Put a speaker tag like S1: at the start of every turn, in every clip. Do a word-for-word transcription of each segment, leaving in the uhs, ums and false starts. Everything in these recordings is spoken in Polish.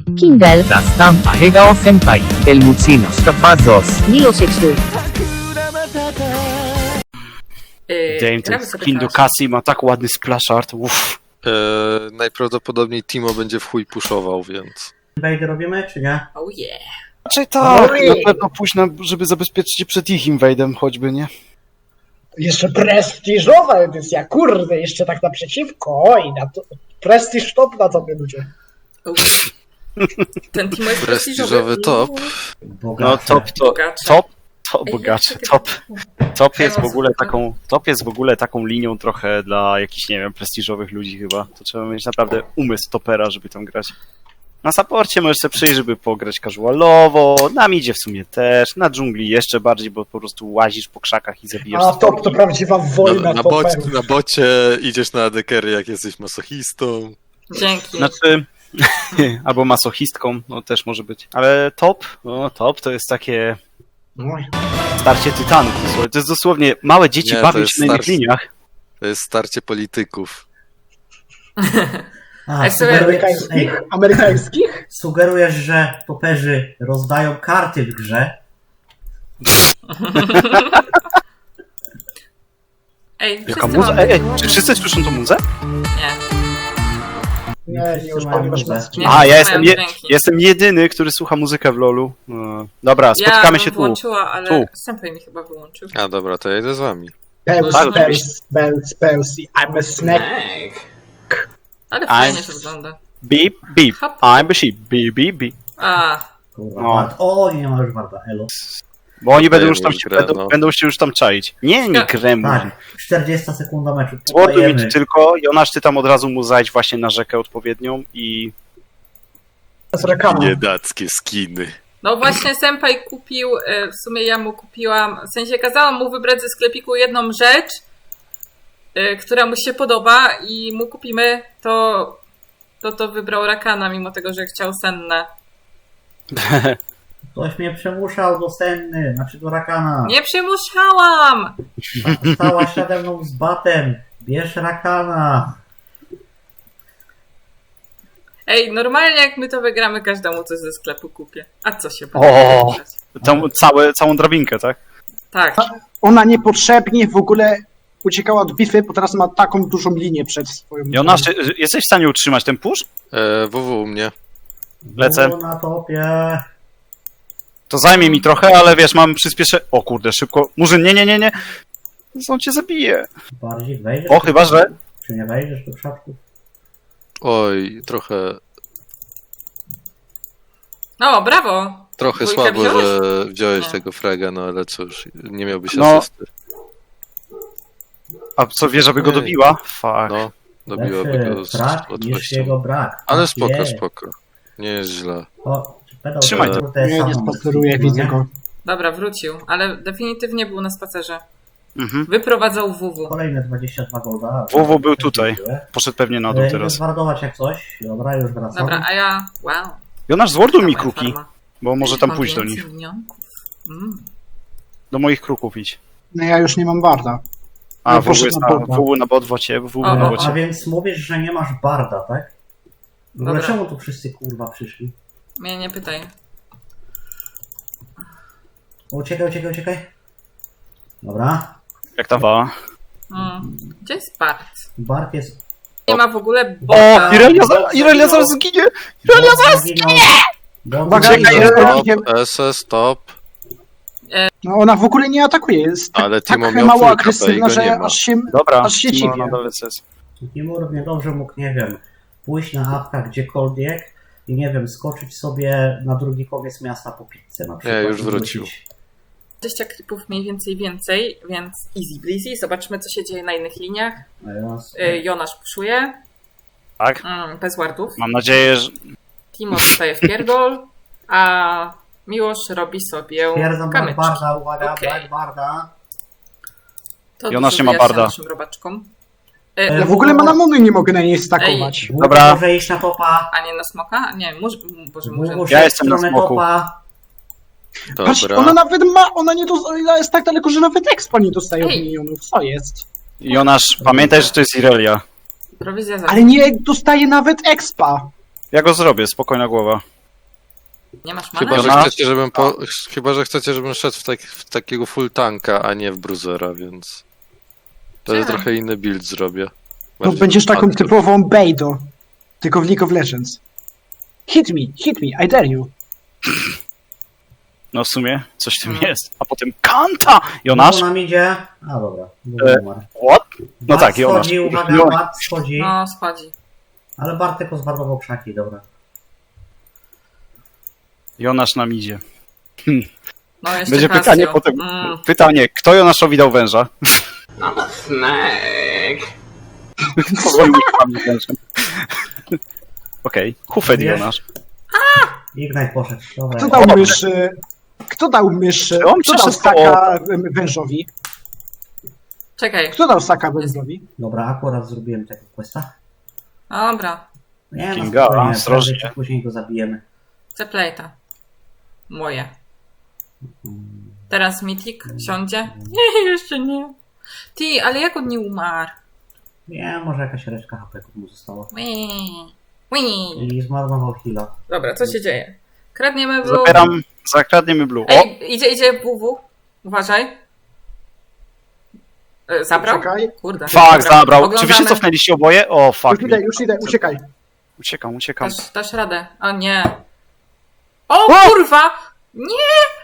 S1: Kindle.
S2: La stampa Hegao Senpai, el Mutsino Scapazos.
S1: Nilo Sextu.
S3: Yy,
S4: Damn,
S3: gramy
S4: ten
S3: sobie
S4: skin do
S3: teraz.
S4: Cassie ma tak ładny splash art. Uff.
S5: Eee, najprawdopodobniej Timo będzie w chuj puszował, więc...
S6: Invader robimy, czy nie?
S3: Oh yeah.
S4: Raczej tak, na pewno pójść na, żeby zabezpieczyć się przed ich inwade'em choćby, nie?
S7: Jeszcze prestiżowa edycja, kurde, jeszcze tak naprzeciwko, oj, na to, prestiż top na tobie ludzie.
S3: Oh. Ten Timo jest
S5: Prestiżowy top.
S4: No top to,
S3: Bogacze.
S4: top, to
S3: Ej,
S4: bogacze,
S3: jak to
S4: top.
S3: tak-
S4: Top jest w
S3: Teraz
S4: ogóle
S3: super.
S4: taką, top jest w ogóle taką linią trochę dla jakichś, nie wiem, prestiżowych ludzi chyba. To trzeba mieć naprawdę umysł topera, żeby tam grać. Na supporcie możesz sobie przyjść, żeby pograć casualowo, na midzie w sumie też, na dżungli jeszcze bardziej, bo po prostu łazisz po krzakach i zabijasz
S7: A top to prawdziwa wojna
S5: Na, na, bocie,
S7: toperów.
S5: na bocie idziesz na adekery, jak jesteś masochistą.
S3: Dzięki.
S4: Znaczy, albo masochistką, no też może być. Ale top, no top to jest takie
S7: Oj.
S4: starcie tytanów. dosłownie. To jest dosłownie małe dzieci
S5: Nie, to
S4: bawią
S5: jest
S4: się na innych
S5: starcie.
S4: liniach.
S5: To jest starcie polityków.
S6: A,
S3: Ej, sobie-
S6: sugerujesz,
S7: Amerykańskich?
S6: ej,
S7: Amerykańskich?
S6: sugerujesz, że toperzy rozdają karty w grze?
S3: Ej,
S4: Jaka
S3: wszyscy
S4: muza?
S3: mamy-
S4: Ej, ej, czy wszyscy słyszą tą muzę?
S3: Nie.
S7: Nie, nie, już pan masz na
S3: Nie.
S7: streamie.
S4: A, ja
S3: mają
S4: jestem, je,
S3: dźwięki.
S4: jestem jedyny, który słucha muzykę w lolu. No. Dobra, spotkamy
S3: ja bym
S4: się tu.
S3: włączyła, ale
S4: Tu.
S3: Senpai mi chyba wyłączył.
S5: A dobra, to ja idę z wami.
S7: Pels,
S3: Tak,
S7: pels, pels, pels, I'm a snack.
S3: Ale
S4: I'm-
S3: fajnie to wygląda.
S4: Beep, beep,
S3: Hop.
S4: I'm a sheep, beep, beep, beep.
S3: A,
S6: Kurwa,
S4: No.
S6: Bard. O, nie ma już Barda, elo.
S4: Bo oni będą
S5: Dajemy
S4: już tam
S5: już
S4: się,
S5: grę,
S4: będą,
S5: no.
S4: będą się już tam czaić. Nie, nie
S3: Tak.
S4: grę
S6: Tak,
S4: mówi.
S6: czterdziesta sekunda meczu.
S4: Złoduj mi
S6: podajemy.
S4: tu tylko, Jonasz, ty tam od razu mu zajdź właśnie na rzekę odpowiednią i...
S7: Z reklamą.
S5: Biedackie skiny.
S3: no właśnie Senpai kupił, e, w sumie ja mu kupiłam, w sensie kazałam mu wybrać ze sklepiku jedną rzecz, e, która mu się podoba i mu kupimy, to to, to wybrał Rakana, mimo tego, że chciał senne.
S6: Ktoś mnie przemuszał do senny, znaczy do Rakana.
S3: Nie przymuszałam!
S6: Stałaś nade mną z batem. Bierz Rakana.
S3: Ej, normalnie jak my to wygramy, każdemu coś ze sklepu kupię. A co się
S4: O!
S3: będzie wybrać?
S4: Tą, całe, całą drabinkę, tak?
S3: Tak.
S8: Ona niepotrzebnie w ogóle uciekała od bitwy, bo teraz ma taką dużą linię przed swoją...
S4: Jonasz, czy- jesteś w stanie utrzymać ten push?
S5: Eee, W W u mnie.
S4: Lecę.
S6: Było na topie.
S4: To zajmie mi trochę, ale wiesz, mam przyspieszę... O kurde, szybko. Murzyn, nie, nie, nie, nie. On cię zabije.
S6: Bardziej wejdziesz?
S4: O, chyba, że...
S6: Czy nie wejdziesz do krzaczków?
S5: Oj, trochę...
S3: No, brawo!
S5: Trochę
S3: Dwójkę
S5: słabo,
S3: wziąłeś?
S5: że wziąłeś
S3: Nie.
S5: tego fraga, no ale cóż, nie miałbyś
S4: No.
S5: asysty.
S4: A co, wiesz, żeby go
S5: Ej.
S4: dobiła? Fuck.
S5: No, dobiłaby
S6: Lepszy
S5: go z
S6: brak niż
S5: łatwością.
S6: jego brak.
S5: Ale
S6: Tak
S5: spoko,
S6: jest.
S5: spoko. Nie jest źle.
S6: O, czy pedał
S4: Trzymaj
S6: to,
S4: to.
S6: kurde,
S8: Nie, nie
S6: samą
S8: spaceruję,
S6: skipnął,
S8: widzę
S6: nie?
S8: go.
S3: Dobra, wrócił, ale definitywnie był na spacerze.
S4: Mhm.
S3: Wyprowadzał W W.
S6: Kolejne dwadzieścia dwa golda.
S4: W W był tutaj. Poszedł pewnie na dół
S6: Idę
S4: teraz.
S6: zwardować jak coś. Dobra, już wracam.
S3: Dobra, a ja... Wow.
S4: Jonasz, zworduj mi
S3: Moja
S4: kruki,
S3: farma.
S4: bo może tam
S3: Mam
S4: pójść do
S3: więcej
S4: nich.
S3: minionków. Mm.
S4: Do moich kruków idź.
S8: No ja już nie mam Barda.
S4: A,
S8: No,
S4: W W
S8: poszedł
S4: jest
S8: na
S4: na,
S8: bota.
S4: W W na botwocie, W W
S3: O,
S4: na
S3: o,
S6: A
S4: bocie.
S6: więc mówisz, że nie masz barda, tak? W ogóle
S3: Dobra.
S6: czemu tu wszyscy kurwa przyszli?
S3: Mnie nie pytaj.
S6: O, uciekaj, uciekaj, uciekaj. Dobra.
S4: Jak ta wała.
S3: Mm. Gdzie jest Bart?
S6: Bard jest...
S3: Nie ma w ogóle
S4: O,
S3: bota.
S4: Irelia, za, Irelia zaraz zginie! Irelia zaraz
S6: zginie!
S8: Uwaga,
S6: Uwaga,
S8: Irelia-
S5: Stop, S S, stop.
S8: No ona w ogóle nie atakuje, jest tak,
S5: Ale
S8: tak
S5: Timo miał
S8: mało
S5: full
S8: agresywna,
S5: K P i go nie
S8: że
S5: ma.
S8: aż się...
S4: Dobra,
S8: Aż się
S4: Timo
S8: dziwię.
S4: na dole C S.
S6: Timur niedobrze mógł, nie wiem, pójść na apka gdziekolwiek i nie wiem, skoczyć sobie na drugi koniec miasta po pizzę na przykład.
S5: już
S6: i
S5: wrócił.
S6: wrócić.
S3: dwadzieścia klipów mniej więcej więcej, więc easy breezy. Zobaczmy, co się dzieje na innych liniach.
S6: A Jonas-
S3: Y, Jonasz puszuje.
S4: Tak?
S3: Mm, bez wardów.
S4: Mam nadzieję, że...
S3: Timo dostaje w pierdol, a Miłosz robi sobie
S6: Stwierdzam Black
S3: kamyczki.
S6: Barda, uwaga,
S3: Okej.
S6: Black Barda.
S3: To
S4: Jonasz
S3: dużo
S4: nie ma
S3: wyjaśnia
S4: barda.
S3: naszym robaczkom. Y,
S6: Ja
S8: Ja w ogóle manamuny nie mogę na niej stakować.
S6: Dwóch
S4: Dobra.
S6: może iść na topa.
S3: A nie na smoka? Nie, może, Boże,
S6: Dwóch
S3: może.
S6: musi
S4: Ja
S6: iść
S4: jestem
S6: w
S4: na
S6: stronę
S4: smoku.
S6: topa.
S8: Patrz,
S5: Dobra.
S8: ona nawet ma, ona nie dostaje, ona jest tak daleko, że nawet expa nie dostaje od
S3: Ej.
S8: minionów. Co jest?
S4: Jonasz, pamiętaj, że to jest Irelia.
S3: Prowizja za.
S8: Ale nie dostaje nawet expa.
S4: Ja go zrobię, spokojna głowa.
S3: Nie masz
S5: Chyba,
S3: many?
S5: że
S4: Ona-
S5: chcecie, żebym po... Chyba, że chcecie, żebym szedł w, tak... w takiego full tanka, a nie w bruzera, więc... To jest
S3: Tak.
S5: trochę inny build zrobię.
S8: To
S5: Bardziej
S8: będziesz taką
S5: tankiem.
S8: typową Bejdo. Tylko w League of Legends. Hit me, hit me, I dare you.
S4: No w sumie coś w tym
S3: Mhm.
S4: jest. A potem Kanta! Jonasz?
S6: Znowu nam idzie. A dobra.
S4: E,
S6: Dobra.
S4: What? No
S6: Bart
S4: tak, Jonasz.
S6: schodzi, uwaga,
S4: Jonasz.
S6: Bart schodzi.
S3: No, schodzi.
S6: Ale Bartek pozbarwował krzaki, dobra.
S4: Jonasz nam idzie.
S3: No, jeszcze
S4: Będzie
S3: Casio.
S4: pytanie potem.
S3: Mm.
S4: Pytanie, kto Jonaszowi dał węża? Powoli uciekamy wężem. Okej, Hufed
S6: Wiesz?
S4: Jonasz.
S6: Ignite poszedł. Dobra.
S8: Kto dał myszy... Kto dał myszy...
S4: Czy on
S8: Kto dał
S4: przeszedł
S8: staka em, wężowi?
S3: Czekaj.
S8: Kto dał staka wężowi?
S6: Dobra, akurat zrobiłem tego questa.
S3: Dobra.
S6: Nie, no
S4: Kinga,
S6: spokojnie,
S4: ostrożnie.
S6: prędzej czy później go zabijemy.
S3: Chcę plejta. Moje. Teraz Mythic siądzie? Nie, jeszcze nie. Ty, ale jak on nie umarł?
S6: Nie, może jakaś reszka H P mu została.
S3: Wii. Wii.
S6: I zmarnował heal'a.
S3: Dobra, co się dzieje? Kradniemy blue.
S4: Zabieram, zakradniemy blue. O!
S3: Ej, idzie, idzie W W. Uważaj. E, Zabrał?
S8: Czekaj.
S3: Kurde.
S4: Fuck, zabrał. Czy wy się
S3: Oglądamy.
S4: cofnęliście oboje? O, fuck.
S8: Już idę, już idę, uciekaj.
S4: Uciekam, uciekam.
S3: Dasz, dasz radę. O nie. O kurwa! Nie!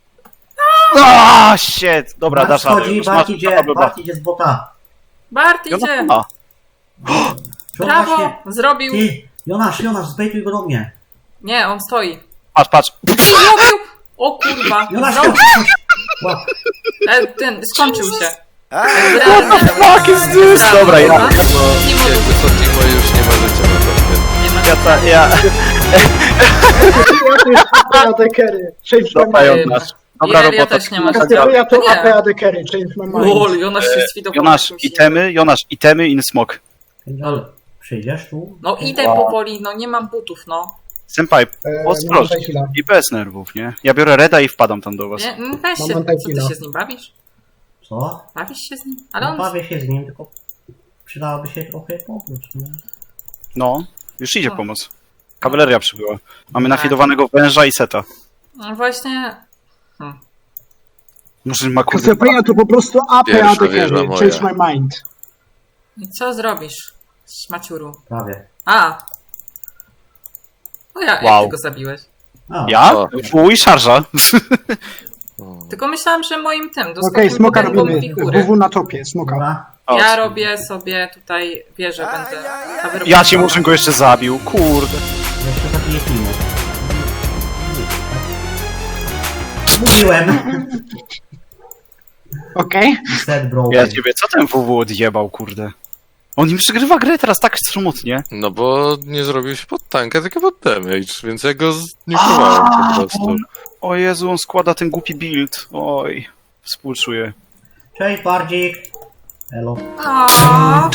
S4: Aaa, shit! Dobra,
S6: Bart
S4: dasz radę.
S6: schodzi,
S4: Już
S6: Bart
S4: masz-
S6: idzie,
S4: dobra, dobra.
S6: Bart idzie z bota.
S3: Bart
S4: Jonasz
S3: idzie.
S4: ma.
S6: Czy on
S3: Brawo!
S6: właśnie-
S3: Zrobił.
S6: Ty, Jonasz, Jonasz, zbejtuj go do mnie.
S3: Nie, on stoi.
S4: Patrz, patrz.
S3: Zrobił! O kurwa!
S6: Jonasz,
S3: Zrobił.
S6: chodź, łap.
S3: E, ten, skończył się.
S4: What the fuck is this? Dobra, ja.
S5: Bo jakby co Timo już nie możecie na to.
S3: Nie ma
S4: Ja, ta, ja.
S8: Ja to jest A P A D carry. Change my
S4: Dobra,
S8: mind.
S4: Jonasz. Dobra
S3: Ja- ja
S4: robota.
S3: też nie mam.
S8: Kategoria to
S3: Nie.
S8: A P A D carry. Change my mind.
S3: Lol, Jonasz się sfidował.
S4: Jonasz,
S3: jakimś
S4: itemy, Jonasz, itemy in smok.
S6: Ale przyjdziesz tu?
S3: No idę
S4: Wow.
S3: powoli, no nie mam butów, no.
S4: Senpai,
S8: E,
S4: ostrożnie.
S8: mam chwila.
S4: I bez nerwów, nie? Ja biorę Reda i wpadam tam do was.
S3: Nie, mm, weź
S8: Mam
S3: się, co
S8: antakila.
S3: ty się z nim bawisz?
S6: Co?
S3: Bawisz się z nim? Ale
S6: No,
S3: on...
S6: bawię się z nim, tylko przydałoby się trochę pomóc, nie?
S4: No, już idzie
S3: O.
S4: pomoc. Kawaleria przybyła. Mamy
S3: Tak.
S4: nafidowanego węża i seta.
S3: No właśnie...
S4: Murzyn ma kurde.
S8: Kategoria to po prostu A P A
S5: Pierwsza
S8: D
S5: wieża
S8: carry.
S5: moja.
S8: Change my mind.
S3: I co zrobisz, śmaciuru?
S6: Prawie.
S3: A! No ja,
S4: Wow.
S3: jak ty go zabiłeś?
S6: A,
S4: Ja?
S5: O.
S4: Fuj, i szarża.
S5: O.
S3: Tylko myślałam, że moim tym,
S8: Okej,
S3: doskoczył
S8: smoka
S3: do
S8: robimy.
S3: figury.
S8: W W na topie, smoka.
S6: Dobra.
S4: O,
S3: Ja robię sobie tutaj wieżę, będę... a wy
S4: Ja
S3: robicie-
S4: ci Murzyn go jeszcze zabił, kurde.
S6: Jeszcze zabiję Timo. Mówiłem.
S8: Okej.
S6: Set broken.
S4: Ja ciebie, co ten W W odjebał, kurde? On im przegrywa grę teraz tak smutnie.
S5: No bo nie zrobił się pod tanka, tylko pod damage, więc ja go znikowałem po prostu.
S4: on- O Jezu, on składa ten głupi build. Oj, współczuję.
S6: Cześć, Bardzik. Elo.
S3: A,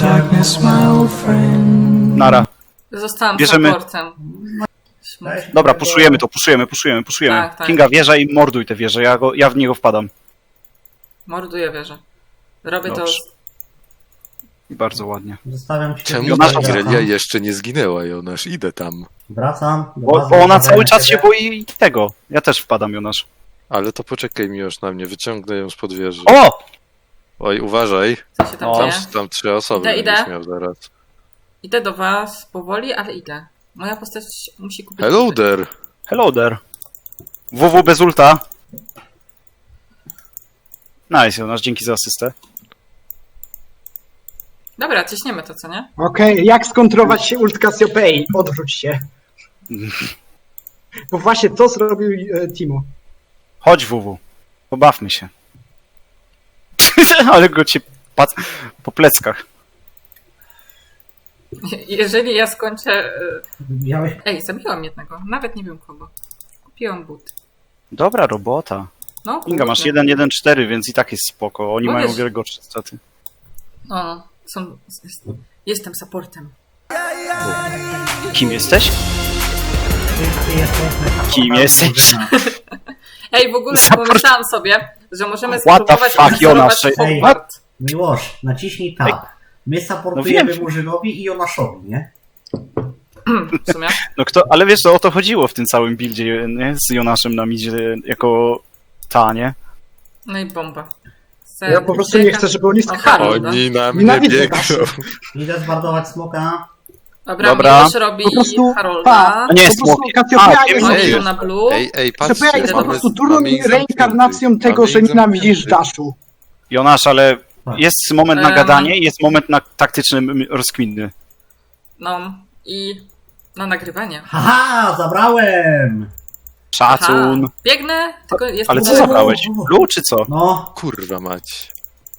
S4: Nara.
S3: Zostałam
S4: Bierzemy-
S3: supportem. Śmut.
S6: Cześć.
S4: Dobra, puszujemy to, puszujemy, puszujemy, puszujemy.
S3: Tak, tak.
S4: Kinga wieża i morduj tę wieżę, ja, go, ja w niego wpadam.
S3: Morduję wieżę. Robię
S4: Dobrze.
S3: to...
S4: I bardzo ładnie.
S6: Zostawiam cię.
S5: Czemu
S4: Jonasz-
S5: ta Irelia
S6: Wracam.
S5: jeszcze nie zginęła, Jonasz? Idę tam.
S6: Wracam. do
S4: Bo,
S6: bazy,
S4: bo ona
S6: zostawiam
S4: cały czas się
S6: ciebie.
S4: boi tego. Ja też wpadam, Jonasz.
S5: Ale to poczekaj mi już na mnie, wyciągnę ją spod wieży.
S4: O!
S5: Oj, uważaj,
S3: Co się tam
S4: O.
S5: tam,
S3: dzieje?
S5: tam trzy osoby
S3: Idę,
S5: będziesz
S3: idę.
S5: miał zaraz.
S3: Idę do was powoli, ale idę. Moja postać musi kupić...
S5: Hello
S3: buty.
S5: there!
S4: Hello there. W W bez ulta. Nice, Jonasz, dzięki za asystę.
S3: Dobra, ciśniemy to, co nie?
S8: Okej, jak skontrować się ult Cassiopeii? Odwróć się. Bo właśnie to zrobił e, Timo.
S4: Chodź, W W. Pobawmy się. Ale go cię pat po pleckach.
S3: Jeżeli ja skończę... y,
S6: Miałeś...
S3: Ej, zabiłam jednego. Nawet nie wiem kogo. Kupiłam but.
S4: Dobra robota.
S3: No,
S4: Kinga, masz
S3: kurde.
S4: jeden jeden cztery, więc i tak jest spoko. Oni
S3: No
S4: mają
S3: wiesz-
S4: wiele gorsze staty.
S3: No, no. Są... jest- Jestem supportem.
S4: Kim jesteś?
S6: Ty, ty jesteś...
S4: Kim jesteś?
S3: Ej, w ogóle
S4: Support.
S3: pomyślałam sobie, że możemy
S4: What the
S3: spróbować
S4: fuck,
S3: odwzorować
S4: Jonasz?
S6: Ej.
S3: Hogwart.
S6: Miłosz, naciśnij tab. My
S4: No
S6: supportujemy
S4: wiem.
S6: Murzynowi i Jonaszowi, nie?
S3: w sumie.
S4: No kto, ale wiesz, że o to chodziło w tym całym buildzie, nie? Z Jonaszem na midzie jako ta, nie?
S3: No i bomba.
S8: Ja po prostu nie chcę, żeby oni
S3: O,
S8: skakali.
S3: Harold.
S5: Oni na mnie
S8: Nienawidzę
S5: biegną.
S8: Daszy.
S6: Idę zbardować smoka.
S3: Dobra,
S4: Dobra.
S3: Miłosz robi
S8: Po prostu-
S3: Harolda.
S8: pa.
S4: A nie,
S8: Po prostu
S4: smoki.
S8: Cassiopeia
S4: A,
S8: jest,
S4: wiem,
S3: Ej,
S4: wiem.
S3: na blue.
S5: Ej, ej,
S8: Cassiopeia
S5: patrzcie,
S8: jest po
S3: mamy-
S8: prostu
S5: mamy
S8: durą
S5: ich
S8: reinkarnacją
S5: zamkniętych.
S8: tego,
S5: Mamy
S8: że
S5: ich
S8: nienawidzisz
S5: zamkniętych.
S8: Daszu.
S4: Jonasz, ale
S6: Tak.
S4: jest moment na
S3: Em.
S4: gadanie i jest moment na taktyczny m- rozkminny.
S3: No i na nagrywanie.
S6: Haha, zabrałem!
S4: Szacun.
S3: Aha, biegnę, tylko jest
S4: Ale co
S3: blue.
S4: zabrałeś? Blue czy co?
S6: No,
S5: Kurwa mać.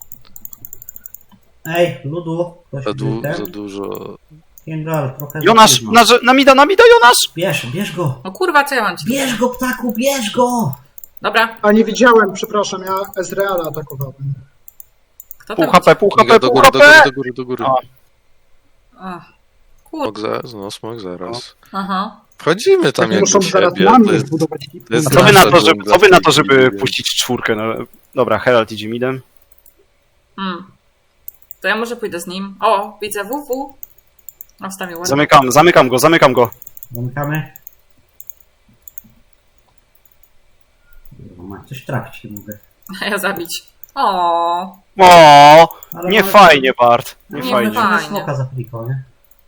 S6: ej, Ludu, ktoś
S5: Za, du
S6: ten?
S5: za dużo.
S6: Kindle, trochę za
S4: Jonasz,
S6: późno.
S4: na, na mida, na mida, Jonasz!
S6: Bierz, bierz go!
S3: No kurwa, co ja mam ci?
S6: Bierz go, ptaku, bierz go!
S3: Dobra,
S8: A nie widziałem, przepraszam, ja Ezreala atakowałem.
S3: kto
S4: Pół
S3: tam?
S4: H P, pół
S5: Kinga,
S4: H P,
S5: do
S4: pół
S5: góry,
S4: H
S5: do góry,
S4: P!
S5: do góry, do góry.
S4: A.
S3: Ach,
S5: Smok
S3: kur...
S5: zaraz, no smok zaraz.
S3: Aha.
S5: Wchodzimy tam
S8: Tak
S5: jak
S8: muszą
S5: do
S8: zaraz
S5: siebie.
S8: na
S5: To
S8: mnie
S5: jest,
S8: zbudować
S5: to jest
S4: A co wy na to,
S5: nasza
S4: żeby,
S5: dżungla
S4: co wy na
S5: w
S4: to,
S5: tej
S4: żeby
S5: chwili,
S4: puścić czwórkę? No, dobra, Herald idzie midem.
S3: Hmm. To ja może pójdę z nim. O, widzę W W. No, wstawił ładnie.
S4: Zamykam, zamykam go, zamykam go.
S6: Zamykamy. Ma coś trafić, nie mogę.
S3: A ja zabić. O,
S4: O,
S6: Ale
S4: nie
S6: mamy-
S4: fajnie, Bart. Nie
S3: Nie
S4: fajnie.
S3: fajnie.
S6: Mamy smoka za kliko, nie?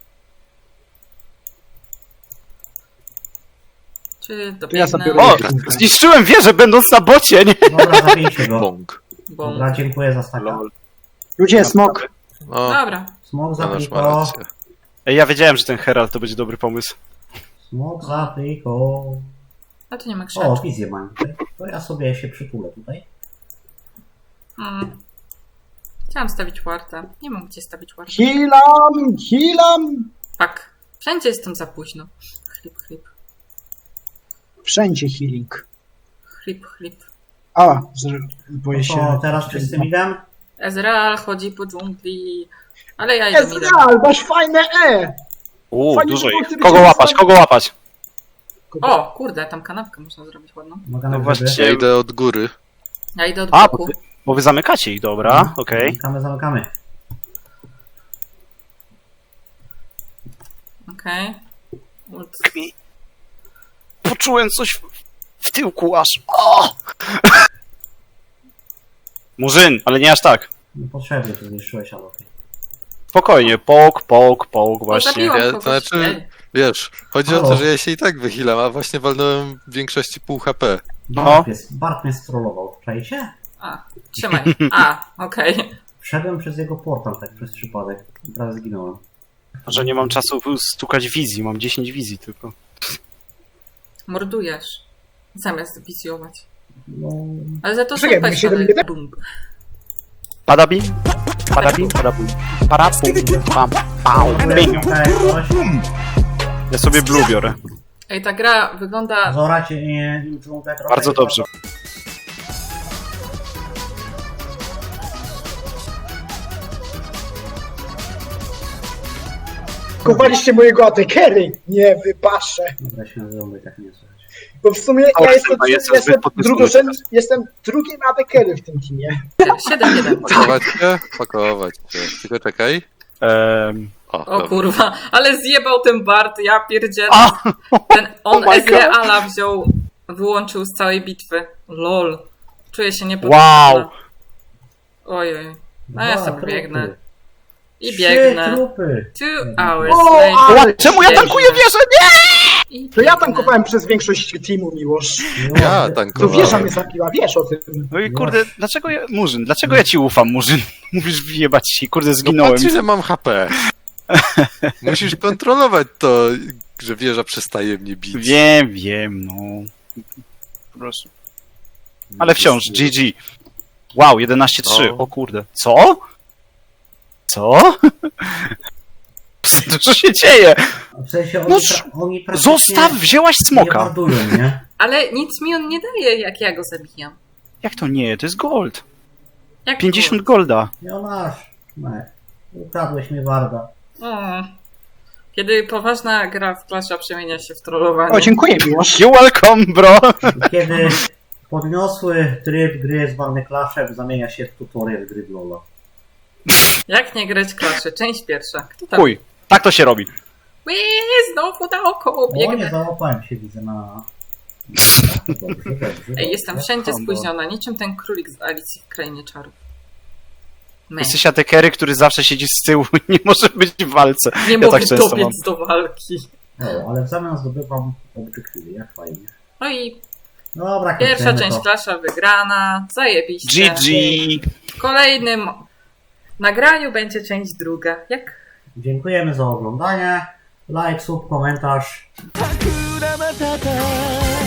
S3: czy
S8: To ja
S3: dobiegnę?
S8: sobie
S4: O,
S8: robię.
S4: zniszczyłem wieżę będąc na bocie, nie?
S6: Dobra, zabijcie go.
S5: Bąk.
S3: Bum.
S6: Dobra, dziękuję za staka.
S4: Lol.
S8: Ludzie, smok.
S5: O,
S3: Dobra.
S6: Smok za
S5: Jonasz ma
S6: kliko.
S5: rację.
S4: Ej, ja wiedziałem, że ten Herald to będzie dobry pomysł.
S6: Smok za kliko.
S3: A tu nie ma
S6: O,
S3: krzaczki.
S6: wizję mam tutaj. To ja sobie się przytulę tutaj.
S3: Hmm. Chciałam stawić wartę. Nie mam gdzie stawić wartę.
S8: Healam, healam.
S3: Tak. Wszędzie jestem za późno. Chlip, chlip.
S8: Wszędzie healing.
S3: Chlip, chlip.
S8: A, z- boję
S6: To
S8: się.
S6: teraz wszyscy midem?
S3: Ezreal chodzi po dżungli. Ale ja idę midem.
S8: Ezreal, masz fajne E!
S4: Uuu,
S8: Fajnie,
S4: dużo
S8: że
S4: ich.
S8: ty
S4: Kogo
S8: widziałeś
S4: łapać,
S8: tam-
S4: kogo łapać?
S3: O, kurde, tam kanapkę można zrobić ładną.
S6: Mogę
S4: No
S6: na
S4: właśnie.
S6: grzyby?
S5: Ja idę od góry.
S3: Ja idę od
S4: A,
S3: boku.
S4: bo, bo wy zamykacie ich, dobra, okej.
S6: Zamykamy, zamykamy.
S3: Okej. Ult.
S4: Poczułem coś w, w tyłku aż. O! Murzyn, ale nie aż tak.
S6: Niepotrzebnie to zniszczyłeś, ale okej.
S4: Spokojnie, pok, pok, pok,
S3: O,
S4: właśnie.
S3: zabiłam
S5: Ja-
S3: kogoś.
S5: to znaczy-
S3: Ej.
S5: Wiesz, chodzi o
S6: Halo.
S5: to, że ja się i tak wychylam, a właśnie walnąłem w większości pół H P.
S4: No.
S6: Bart, mnie, Bart mnie strollował. Czajcie?
S3: A, trzymaj. A, okej.
S6: Wszedłem przez jego portal tak przez przypadek. I prawie zginąłem.
S4: Że nie mam czasu stukać wizji, mam dziesięć wizji tylko.
S3: Mordujesz. Zamiast wizjować.
S6: No...
S3: Ale za to
S8: Czekaj,
S3: super
S8: my siedem
S3: ale-
S8: jeden?
S3: bum.
S4: Padabim, padabim, padabim, parapum, pam, pam, bing.
S6: Okej, coś.
S4: Ja sobie blue biorę.
S3: Ej, ta gra wygląda...
S6: Zorać nie dżunglę trochę.
S4: Bardzo dobrze.
S7: Kowaliście mojego atekery. Nie wypaszę.
S6: Dobra, się nazywamy tak nie słychać.
S7: Bo w sumie
S4: O,
S7: ja jestem,
S4: chyba jestem
S7: jestem,
S4: zbyt podniecony
S7: drugorzędny, jestem drugim atekery w tym teamie.
S3: siedem jeden.
S5: Pakować się? Pakować się. Tylko czekaj.
S4: Ehm,
S5: O,
S3: O
S5: dobra.
S3: kurwa, ale zjebał ten Bart, ja pierdzielę.
S4: A!
S3: Ten, on
S4: Oh my God.
S3: Ezreala wziął, wyłączył z całej bitwy. Lol. Czuję się
S4: wow!
S3: niepotrzebna. Ojej. No ja
S6: Dwa
S3: sobie
S6: trupy.
S3: biegnę. I
S6: Trzy
S3: biegnę.
S6: trupy.
S3: Two hours
S8: O,
S3: later.
S8: ale
S4: Czemu ja tankuję wieżę? Nie!
S3: I
S8: To ja
S3: biegnę.
S8: tankowałem przez większość teamu, Miłosz.
S5: Ja
S8: To
S5: tankowałem.
S8: wieża mnie zabiła, wiesz o tym.
S4: No i kurde, dlaczego ja... Murzyn, dlaczego ja ci ufam, Murzyn? Mówisz wyjebać się, kurde,
S5: No
S4: zginąłem.
S5: patrz ile mam H P. Musisz kontrolować to, że wieża przestaje mnie bić.
S4: Wiem, wiem, no. Proszę. Ale wciąż, G G. Wow, jedenaście trzy,
S5: O.
S4: o kurde. Co? Co? Co się dzieje?
S6: W sensie oni,
S4: No,
S6: pra- oni praktycznie
S4: Zostaw, wzięłaś
S6: nie
S4: smoka.
S6: mordują, nie?
S3: Ale nic mi on nie daje, jak ja go zabijam.
S4: Jak to nie? To jest gold.
S3: Jak
S4: pięćdziesiąt golda.
S6: Jonasz, nie. Ukradłeś mi Warda.
S3: to? O. Kiedy poważna gra w Clasha przemienia się w trollowanie.
S8: O, dziękuję, Miłosz.
S4: You welcome, bro.
S6: Kiedy podniosły tryb gry zwany Clashem zamienia się w tutorial gry w Lola.
S3: Jak nie grać Clasze? Część pierwsza. Kto tam?
S4: Chuj, tak to się robi.
S3: Ły, znowu naokoło
S6: O, nie
S3: biegnę.
S6: załapałem się, widzę na... Dobrze, dobrze, dobrze.
S3: Ej, jestem wszędzie
S4: Kombo.
S3: spóźniona, niczym ten królik z Alicji w Krainie Czarów. Me.
S4: Jesteś atekery, który zawsze siedzi z tyłu i nie może być w walce.
S3: Nie
S4: Ja
S3: mogę
S4: tak często
S3: dobiec
S4: mam.
S3: do walki.
S6: O, ale w zamian zdobywam obrzykliwy, jak fajnie.
S3: No i
S6: Dobra,
S3: pierwsza
S6: kończymy
S3: część
S6: to.
S3: Klasza wygrana, zajebiście.
S4: G G!
S3: W kolejnym nagraniu będzie część druga. Jak
S6: Dziękujemy za oglądanie. Like, sub, komentarz.
S1: Hakuna Matata